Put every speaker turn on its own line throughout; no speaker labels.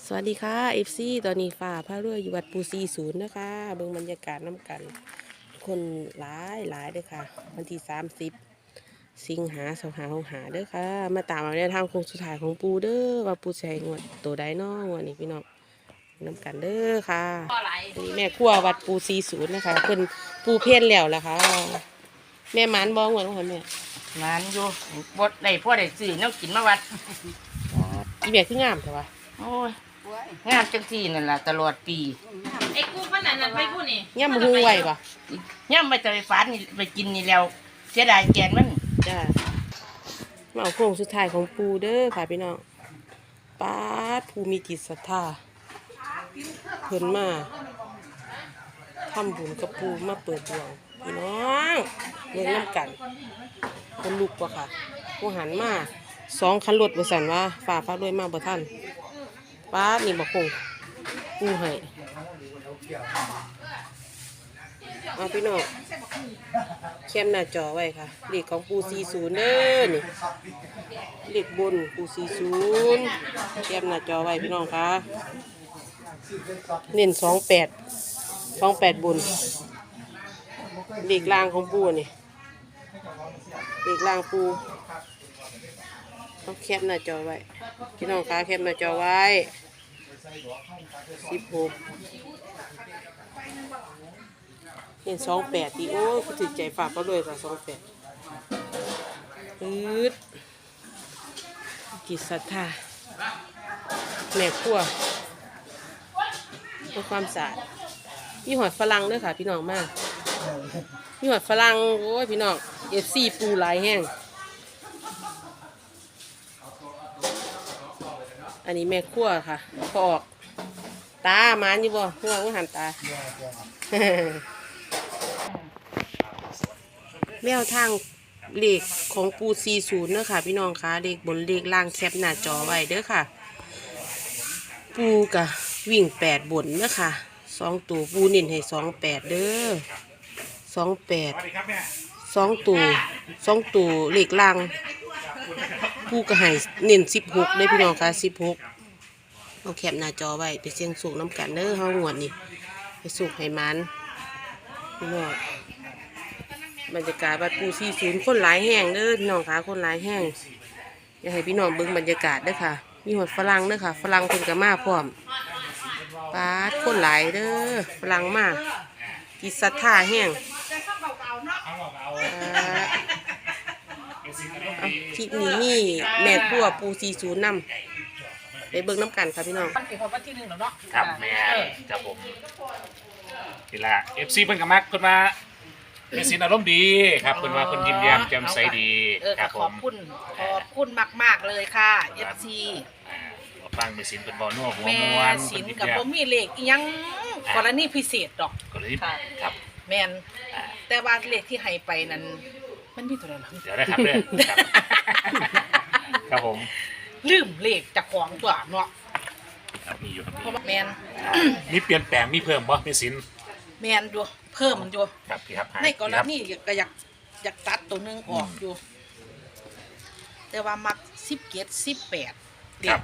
สวัสดีค่ะ FC ตอนนี้ฝ่าพระเรืออยู่วัดปู40นะคะเบิ่งบรรยากาศน้ำกันคนหลายเด้อค่ะวันที่30 สิงหา2565เด้อค่ะมาตามเอาแนวทางโค้งสุดท้ายของปูเด้อว่าปูใช้งวดตัวใดน้องวันนี้พี่น้องน้ำกันเด้อค่ะนี่แม่ครัววัดปู40นะคะเพิ่นปูเพี้ยนแล้วล่ะค่ะแม่หมานบ่งวดของเพิ่นแม่
งานอยู่บดได้พ่อได้ซื้อแนวกินมาวัด
อีแม่คืองามแต่ว่า
โอ้ยงานจังซี่นั่นล่ะตลอดปี
ไอ้กูมันนั่นไปพูดนี่
ย่ำบ่ฮู้ไว้ป่ะ
ย่ำไปจะไปฝานนี่ไปกินนี่แล้วเสียดายแกนมัน
จ้ามาเอาโค้งสุดท้ายของปูเด้อค่ะพี่น้องป้าดภูมิจิตศรัทธาเพิ่นมาทำบุญกับปูมาเปิดดวงพี่น้องเล่นน้ำกันคนลุกว่ะค่ะผู้หันมา2 คันรถบริษัทว่าฝ่าฟ้าด้วยมาบ่ทันป้าดนี่บอกคงปูให้เอาพี่น้องเข้มหน้าจอไว้ค่ะเลขของปู40เด้อนี่เลขบนปู40เข้มหน้าจอไว้พี่น้องค่ะเน้น28บนเลขล่างของปูนี่เลขล่างปูต้องแคปหน้าจอไว้พี่น้องคะแคปหน้าจอไว้16เห็น28ดีโอ้คือถือใจฝากเขาเลยค่ะ28จิตศรัทธาแม่ครัวเพื่อความสะอาดมีหอดฝรั่งด้วยค่ะพี่น้องมากมีหอดฝรั่งโอ้ยพี่น้องFCปูหลายแห้งอันนี้แม่ครัวค่ะพอออกตามันอยู่บ่หัวก็หันตา แมวทางเลขของปู40เด้อค่ะพี่น้องค่ะเลขบนเลขล่างแคปหน้าจอไว้เด้อค่ะปูกะวิ่ง8บนเด้อค่ะ2ตัวปูเน้นให้28เด้อ28 2ตัวเลขล่างปูกะให้เน้น16เด้อพี่น้องค่ะ16เอาแคปหน้าจอไว้ไปเสี่ยงสูงน้ำกันเด้อเฮางวดนี่ไปสูงให้มันพี่น้องบรรยากาศวัดปู40คนหลายแห้งเด้อพี่น้องค่ะคนหลายแห้งอยากให้พี่น้องเบิ่งบรรยากาศเด้อค่ะมีหอดฝรั่งเด้อค่ะฝรั่งเพิ่นก็มาพร้อมปาดคนหลายเด้อฝรั่งมาจิตศรัทธาแห้งคลิปนี้มีแม่ครัวปู40นำไปเบิ่งน้ำกันค่ะพี่น้อง
มันเป็นวันที่1แล้วเนาะ
ครับแม่ครับผมนี่ละFC เพิ่นก็มักเพิ่นมาเป็นสินอารมณ์ดีครับเพิ่นว่าเพิ่นยิ้มแย้มแจ่มใสดีครับผม
ขอบคุณมากเลยค่ะ FC
ฟังเป็นสินเพิ่นบ่นัวหัว
แม่
ม่วน
สินกับบ่มีเลขอีหยังกรณีพิเศษดอก
ก็เลยครับ
แม่นแต่ว่าเลขที่ให้ไปนั้นมันมีตัวใดล่ะ
เดี๋ยวได้ครับเด้อครับผม
ลืมเลขจากของตัวเนาะ
ครับมีอยู่ครับ
เพราะว่าแม่น
มีเปลี่ยนแปลงมีเพิ่มบ่มีสิน
แม่นอยู่เพิ่มมันอยู่
ครับพี่ครับ
ในกรณีก็อยากตัดตัวนึงออกอยู่แต่ว่ามัก17 18
ครับ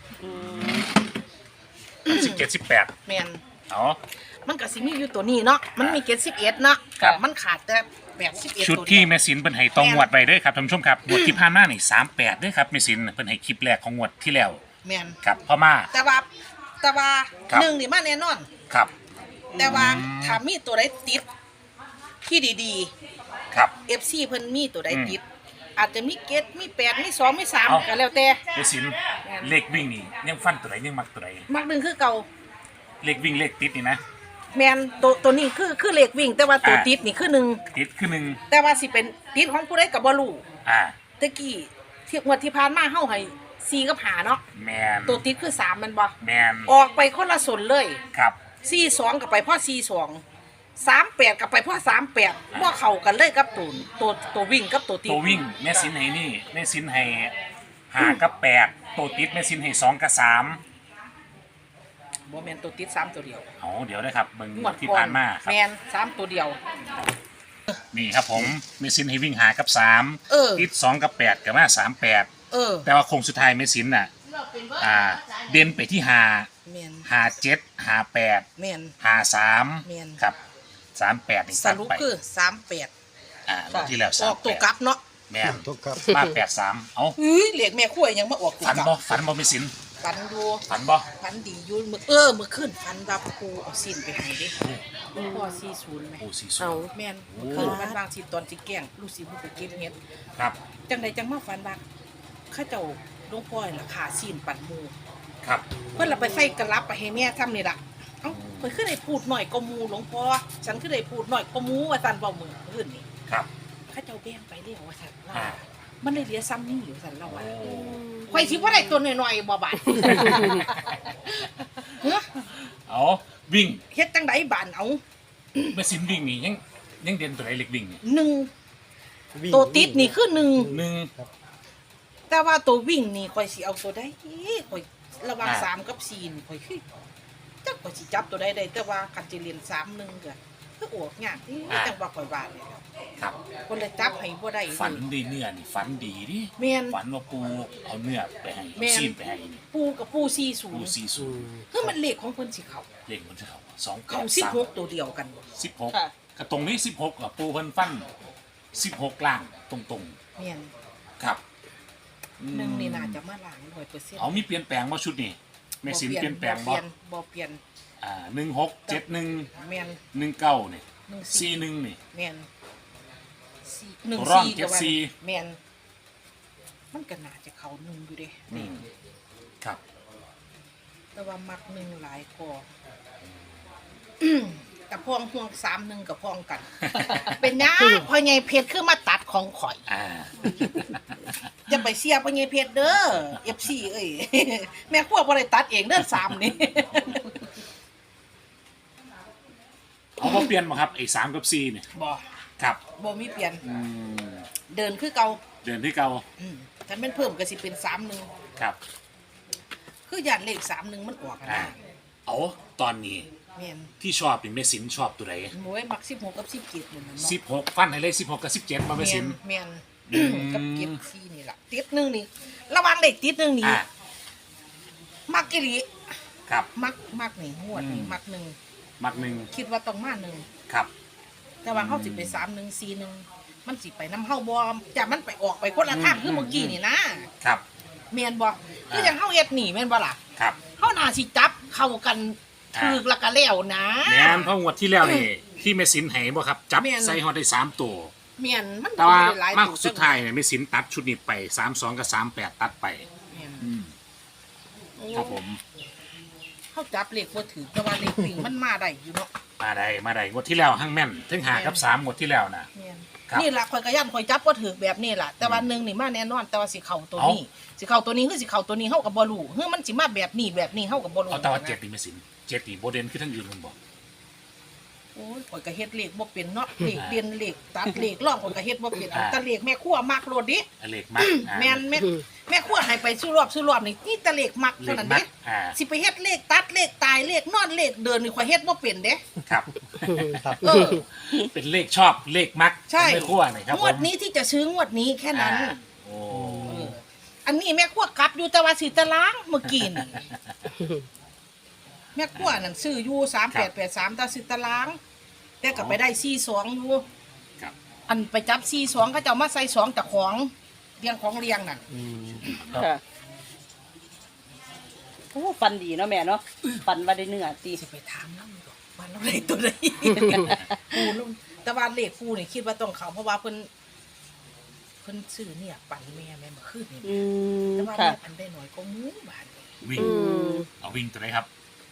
17 18
แม่น
อ๋อ
มันก็สิมีอยู่ตัวนี้เนาะมันมี71เนาะมันขาดแต่81
ชุดที่แม่สินเพิ่นให้ตองงวดไว้เด้อครับท่านผู้ชมครับงวดที่ผ่านมานี่38เด้อครับแม่สินเพิ่นให้คลิปแรกของงวดที่แล้ว
แม่น
ครับพ่อมา
แต่ว่า1นี่มาแน่นอน
ครับ
แต่ว่าถ้ามีตัวใดติดที่ดี
ๆครับ
FC เพิ่นมีตัวใดติดอาจจะมี7มี8มี2มี3ก็แล้วแต่
แม่สินเลขวิ่งนี่ยังฟันตัวไหนยังมักตัวไหน
มักหนึ่งคือเก่า
เลขวิ่งเลขติดนี่นะ
แมนตัวนี้คือเลขวิ่งแต่ว่าตัวติดนี่คือ1
ติดคือ1
แต่ว่าสิเป็นติดของผู้ใดก็บ่รู้ตะกี้ที่งวดที่ผ่านมาเฮาให้4กับ5เนาะ
แม่น
ตัวติดคือ3มันบ่
แม่น
ออกไปคนละส่วนเลย
ครับ
42ก็ไปพ่อ42 38ก็ไปพ่อ38บ่เข้ากันเลยกับตัววิ่งกับตัวติด
ตัววิ่งแม่สินให้นี่แม่สินให้5กับ8ตัวติดแม่สินให้2กับ3
บ่แม่นตัวติด3ตัวเดียว
เดี๋ยวนะครับเบิ่งที่ผ่านมาครับ
แม่น3ตัวเดียว
นี่ครับผมแม่สินให้วิ่ง5กับ3ติด2กับ8ก็มา38แต่ว่าโค้งสุดท้ายแม่สินน่ะเด่นไปที่ห้า
แม่น
57 58
แม่น
53
แม่น
ครับ38นี่
ส
ตัด
รุป
ไป
คือ38
งวดที่แล้ว
ออกตัวกลับเนาะ
แม่น
ทุกครับ
มา83เอ้า
เลขแม่ขั้วยังมาออกตัว
ฝัน
กลับ
บ่ฝันบ่มีสิน
ฝันดู
ฝันบ่
ฝันดีอยู่มื้อมื้อคืนฝันว่าปูเอาสิ้นไปให้เด้พ่อ40แม่
โอ้สี่
เอา
ศูนย์
แม่นเมื่อคืนมันบางสิตอนสิแกล้งลูกสิบ่ไปเก็บเฮ็ด
ครับ
จังใดจังมาฝันว่าข้าเจ้าหลวงพ่อน่ะขาสิ้นปั่นหมู่
ครับ
เพิ่นละไปใส่กระลับไปให้แม่ทำนี่ล่ะเอ้าเพิ่นคือได้พูดหน่อยก็หมู่หลวงพ่อฉันคือได้พูดหน่อยก็หมู่ว่าซั่นเว้ามื้อคืนนี่
ครับ
ข้าเจ้าแบ่งไปแล้วว่าซั่นว่า
อ่า
มันได้เหลือซ้ำนี่อยู่ซั่นเราว่า
โอ้
ข่อยสิบ่ได้ตัวน้อยๆบ่บาด เฮ้อ
เอาวิ่ง
เฮ็ดจังไดบานเอา
แม่สินวิ่งนี่ยังเด่นตัวไหนเล็กวิ่งนี่
หนึ่งตัวติดนี่คือหนึ่ง
หนึ่ง
แต่ว่าตัววิ่งนี่ข่อยสิเอาตัวใดข่อยระหว่าง
อ่า
3กับ4นี่ข่อยคือจักข่อยสิจับตัวใดได้แต่ว่าคันสิเรียน3 1ก็คือออกยากที่จังว่าข่อยว่านี่แหละ
ครับ
คนเลยจับให้บ่ได้
ฝันดีเนื้อนี่ฝันดีดิ
แม่น
ฝันว่าปูเอาเนื้อไปให้
แม่น
ซีนไปให้นี่
ปูกับปู
ปู
40
สี่ศูนย์
คือมันเลขของเพิ่นสิเข้า
เลขมันจะเข้าสอง
เข้า
เก้าสาม
16ตัวเดียวกัน
16
ค่ะ
กระตรงนี้16อ่ะปูเพิ่นฟัน16ล่างตรง
แม่น
ๆครับอืม
หนึ่งนี่น่าจะมาล้าง 100%
เอามีเปลี่ยนแปลงบ่ชุดนี้แม่สินเปลี่ยนแปลงบ่
บ่เปลี่ยน
1671
แม่น
19นี่
14
41นี่
แม่น
ร่อง
14ก็ว่า
74
แม่นมันก็น่าจะเข้า1อยู่เด้
อืมครับ
แต่ว่ามัก1หลายกว่ากับพองห่วง31กับพองกัน เป็นหยังพ่อใหญ่เพชรคือมาตัดของข่อย
อ่า
อย่าไปเสียพ่อใหญ่เพชรเด้อ FC เอ้ย แม่ครัวบ่ได้ตัดเองเด้อ3นี่
เอาบ่เปลี่ยนบ่ครับไอ้3กับ4นี่
บ่
ครับ
บ่มีเปลี่ยน
อืม
เดินคือเก่า
เดือนที่เก่า
ถ้าแม่นเพิ่มก็สิเป็น31
ครับ
คือยานเลข31มันออกกัน
อ่า
นะ
เอาตอนนี้
แม่น
ที่ชอบเป็นแม่สินชอบตัวไหน
หมวยมัก16กับ17นั่นน่ะเนาะ
16ฟันให้เลย16กับ17มาแม่สิน
แม่น
อืม
กับเก็บซีนี่ล่ะติดหนึงนี่ระวังเด็กติดหนึงนี่
อ่า
มักอีหลี
ครับ
มักนี่งวดนี่
อืม
มักหนึ่ง
มักหนึ่ง
คิดว่าต้องมาหนึ่ง
ครับ
แต่ว่าเฮาสิไป31 41มันสิไปนำเฮาบ่จะมันไปออกไปคนละทางคือเมื่อกี้นี่นะครับ แม่นบ่คือจังเฮาเฮ็ดนี่แม่นบ่ล่ะ
ครับ
เฮาน่าสิจับเข้ากันถูกแล้วก็แล้วนะ
แม่นเพราะงวดที่แล้วนี่ที่แม่สินให้บ่ครับ จับ
แม่น
ใส่ฮอดได้3ตัว
แม่นมัน
แต่ว่า
บ่ได้หลาย
มาก
ตัว
สุดท้ายเนี่ยแม่สินตัดชุดนี้ไป32กับ38ตัดไป
แม่น
อืมครับผม
เฮาจับเลขบ่ถูกแต่ว่าเลขวิ่งมันมาได้อยู่เนาะ
มาได้งวดที่แล้วหั่งแม่นถึงหากับ3งวดที่แล้วนะ
แม่น
ครับ
นี่ล่ะข่อยก็ย่านข่อยจับบ่ถูกแบบนี้ล่ะแต่ว่าหนึ่งนี่มาแน่นอนแต่ว่าสิเข้าตัวนี้สิเข้าตัวนี้คือสิเข้าตัวนี้เฮาก็บ่รู้คือมันสิมาแบบนี้เฮาก็บ่รู้
เอาแต่ว่า7นี่แม่สิน7นี่บ่เด่นคือทั้งอื่นมันบ่
โอ้ยข่อยก็เฮ็ดเลขบ่เป็นเนาะเลขเปลี่ยนเลขตัดเลขร่องข่อยก็เฮ็ดบ่เป็นเอาแต่เลขแม่ครัวมักโลดดิ
เลขมักอ่า
แม่นแม่ครัวให้ไปสู้รอบนี่แต่เลขมัก
เล
เท่า
ข
นั้น
มั
เด้
กอ่า
สิไปเฮ็ดเลขตัดเลขตายเลขนอนเลขเดินนี่ข่อยเฮ็ดบ่เป็นเด้
ครับ
เออ
เป็นเลขชอบเลขมัก
ใช่
ไม่คั่วหน่อยครับ
งวดนี้ที่จะซื้องวดนี้แค่นั้น
อ่าโอ้
เอออันนี้แม่ครัวกลับอยู่แต่ว่าสิตารางเมื่อกี้นี่แม่ครัวนั่นซื้ออยู่3883แต่สิตาราง แต่ก็ไปได้42อยู่
ครับ
อันไปจับ42เขาเจ้ามาใส่2จากของเรียงของเรียงนั่น
ค่ะโอ้ฟันดีเนาะแม่เนาะฟันว่าได้เนื้อตี
สิไปถามนำดอกว่าเราได้ตัวใด ปูลงแต่ว่าเลขปูนี่คิดว่าต้องเขาเพราะว่าเพิ่นซื้อเนี่ยปั่นแม่เมื่อคืนนี่
อืม
แต่ว่า
ค่ะ
แม่ปั่นได้น้อยก็มูบาทนี่
วิ่ง
ม
เอาวิ่งตัวไหนครับ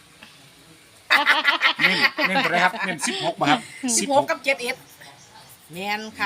เน้นตัวไหนครับเน้น16ป่ะครับ
16กับ71แม่นค่ะ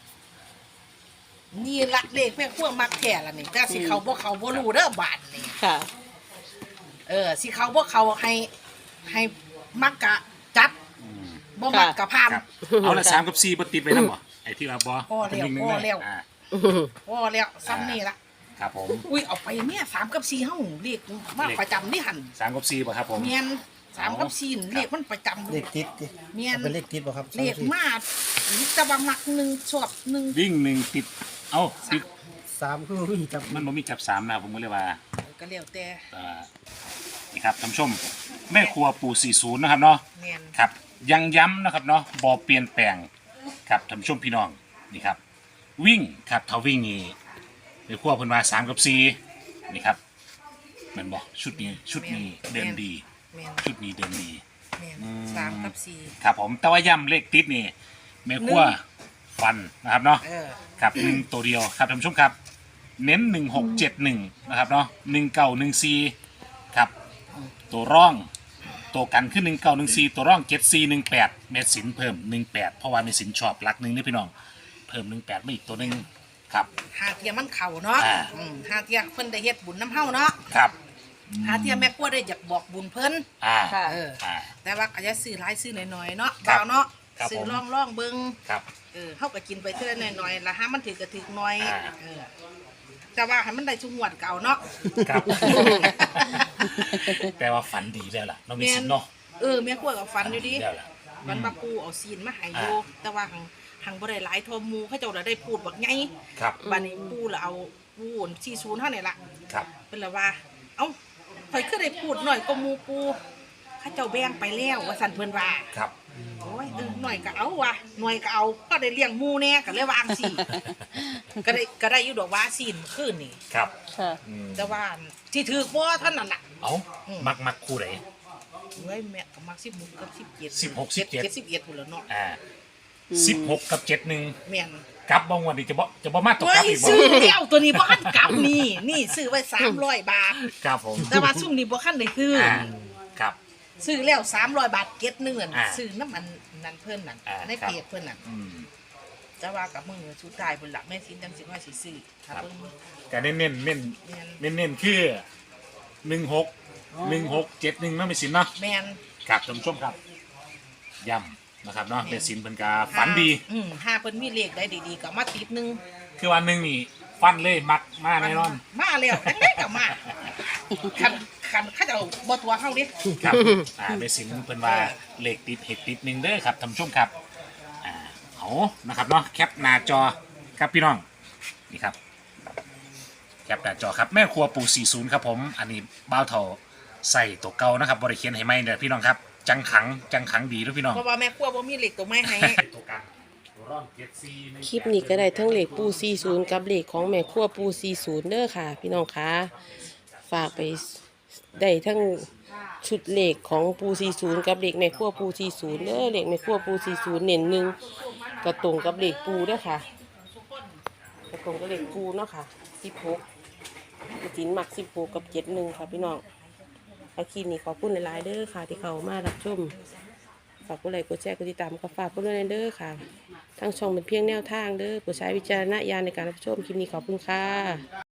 นี่ละเลขแม่ขั้วมักแท้ละนี่แต่สิเขาบ่เขาบ่รู้เด้อบาทนี่
ค่ะ
สิเขาบ่เขาให้มักกะจัด
อืม
บ่มักกะพาน
ครับเอาละ3กับ4บ่ติดไว้นำบ่ไอ้ที่ว่าบ่
พอแล้ว
เป็นงหนึ่ง
พอแล้ว
อ่า
พอแล้วซ้ำนี่ละ
ครับผม
อุ้ยเอาไปเนี่ย3กับ4เฮาเรียกมาประจำนี่หั่น
3กับ4ป่ะครับผม
เมียน3กับ4นี่เรียกมันประจำ
เลขติดดิ
เมียน
เป็นเลขติดป่ะครับ
เรียกมาแตะบามัก1ชอบ1
วิ่ง1ติดเอ้าติด
3คือวิ่งจับ
มันบ่มีจับ3นะผมก็เลยว่า
ก็แล้วแต่
นี่ครับท่านผู้ชมแม่ครัวปู่40นะครับเนาะ
แม่น
ครับยังย้ำนะครับเนาะบ่เปลี่ยนแปลงครับท่านผู้ชมพี่น้องนี่ครับวิ่งครับถ้าวิ่งนี่แม่ครัวเพิ่นว่า3กับ4นี่ครับแมันบอกชุดนี้เดินดี
แม่น
ชุดนี้เดินดี
แม่น
อืม
3กับ4
ครับผมแต่ว่าย้ำเลขติดนี่แม่ครัวฟันนะครับเนาะ ครับ1ตัวเดียวครับท่านผู้ชมครับเน้น1671นะครับเนาะ1914ครับตัวร่องตัวกันขึ้น1914ตัวร่อง7418เมตรสินเพิ่ม18เพราะว่าเมตรสินชอบหลักหนึ่งนี่พี่น้องเพิ่ม18มาอีกตัวหนึงครับ
หาเทียมันเข้าเนาะ
อ่า
หาเทียเพิ่นได้เฮ็ดบุญน้ำเฮาเนาะ
ครับ
หาเทียแม่ครัวได้อยากบอกบุญเพิ่น
ค่ะ
แต่ว่าก็จะซื้อหลายซื้อน้อยๆเนาะ
ครับ
เบาเนาะ
ครับ
ซื้อ
ผม
ล่องเบิ่ง
ครับ
เฮาก็กินไปเท่าน้อยๆละหามันถือก็ถือน้อย
อ่า
แต่ว่าให้มันได้ชุงหวดเก่าเนาะ
ครับแต่ว่าฝันดีแล้วล่ะน้องเมตรสินเนาะ
แม่ครัวก็ฟันอยู่ดิ
แล้วล่ะ
มันมาปูเอาซีนมาให้อยู่แต่ว่าหังบ่ได้หลายทอหมูเขาเจ้าละได้พูดบักไง
ครับ
บัดนี้ปูละเอาปู40เท่านี่ล่ะ
ครับ
เพิ่นละว่า เอ้าข่อยคือได้พูดหน่อยก็หมูปูเขาเจ้าแบ่งไปแล้วว่าซั่นเพิ่นว่า
ครับ
โอ้ยหน่อยก็เอาว่ะหน่อยก็เอาก็ได้เลี้ยงหมูแน่ก็เลยวางสิ ก็ได้อยู่ดอกว่าซีนคืนนี่
ครับ
ค่ะ
อืม
แต่ว่าที่ถือบ่เท่านั้นล่ะ
เอ้ามักคู่ไหน
เฮ้ยแม่ก็มัก16กับ17
16 17
71พุ่นแล้วเนาะ
16กับ71
แม่น
กลับบางวันนี้จะบ่มาตก
เฮ้
กลับ
ย
อีกบ่
ซื้อแล้วตัวนี้บ่คันกลับนี่ซื้อไว้300 บาท
ครับผม
แต่ว่าซุ่มนี้บ่คันได้ซื้ออ
ครับ
ซื้อแล้ว300 บาทเก็ตหนึงนั่น
อ่า
ซื้อน้ำมันนั่นเพิ่นนั่น
อ่า
ใน
ครับ
เพจเพิ่นนั่น
อืม
แต่ว่ากับมื้อสุดท้ายเพิ่นล่ะแม่สินจังสิว่าสิซื้อถ้าเบิ่ง
ก็เน้นคือ1671เนาะไม่สินเนาะ
แม่น
ครับท่านผู้ชมครับย้ำนะครับเนาะเมสินเพิ่นก็ฝันดี
ห้าเพิ่นมีเลขได้ดีๆก็มาติดหนึง
คือวันหนึงนี่ฟันเลยมักมาแน่นอน
มาแล้วจังได๋ก็มาคันเขาเจ้าบ่ตัวเฮาดิ
ครับเมสินเพิ่นว่าเลขติดเห็ดติดหนึงเด้อครับท่านผู้ชมครับเอานะครับเนาะแคปหน้าจอครับพี่น้องนี่ครับแคปหน้าจอครับแม่ครัวปู่40ครับผมอันนี้บ้าวเฒ่าใส่ตัวเก่านะครับบริเคียนให้ไหมเด้อพี่น้องครับจังขังดีด้วยพี่น้อง
เพราะว่าแม่ครัวบ่มีเลขตัวไม้ให้
ตัวกลางตัวร่องเจ็ดซี
คลิปนี้ก็ได้ทั้งเลขปู40กับเลขของแม่ครัวปู40เด้อค่ะ พี่น้องคะฝากไปได้ทั้งชุดเลขของปู40กับเลขแม่ครัวปู40เด้อเลขแม่ครัวปู40เน้นหนึ่งกระตรงกับเลขปูเด้อค่ะกระตรงกับเลขปูเนาะค่ะ16จินมัก16กับ71ค่ะพี่น้องอาคลิปนี้ขอบคุณหลายๆเด้อค่ะที่เข้ามารับชมฝากกดไลค์กดแชร์กดติดตามก็ฝากกดด้วยเด้อค่ะ ทั้งช่องเป็นเพียงแนวทางเด้อโปรดใช้วิจารณญาณในการรับชมคลิปนี้ขอบคุณค่ะ